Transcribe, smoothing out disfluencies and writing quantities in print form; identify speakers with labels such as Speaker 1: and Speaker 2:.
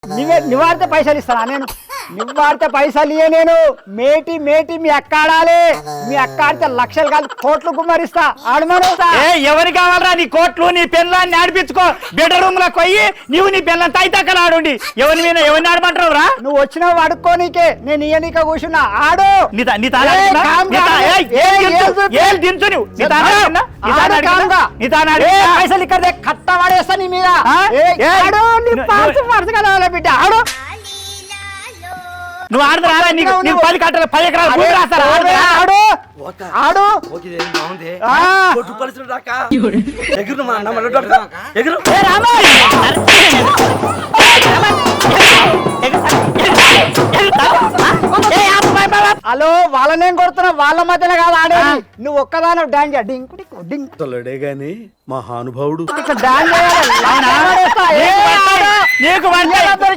Speaker 1: నివాడితే పైసలు ఇస్తానా నేను? నివాడితే పైసలు ఇయ్య నేను. మేటి మేటి మీ అక్క ఆడాలి. మీ అక్క ఆడితే లక్షలు కాదు కోట్లు గుమ్మరిస్తా. ఆడమనుస్తా.
Speaker 2: ఎవరికి కావాలరా నీ కోట్లు? నీ పిల్లల్ని ఆడిపించుకో. బెడ్రూమ్ లో పోయి నీవు నీ పిల్లల్ని తైతక్కలు ఆడుండి. ఎవరిని ఆడమంటావు రా?
Speaker 1: నువ్వు వచ్చినావు ఆడుకోనీకే, నేను ఇయ్యనీక కూర్చున్నా. ఆడు పైసలు ఇక్కడ కట్టవాడేస్తా నీ మీద. బిడ్డ ఆడు.
Speaker 2: నువ్వు ఆడతారా? నీకు 10 కట్టలు 10 ఎకరాలు భూమి రాస్తారా?
Speaker 1: ఆడు ఆడు. హలో, వాళ్ళనేం కొడుతున్నావు? వాళ్ళ మధ్యలో కాదు ఆడేది. నువ్వు ఒక్కదాని డాన్స్ డింకు డింక్
Speaker 3: తొలడే గాని మహానుభావుడు
Speaker 1: డాన్స్ చేయాలి.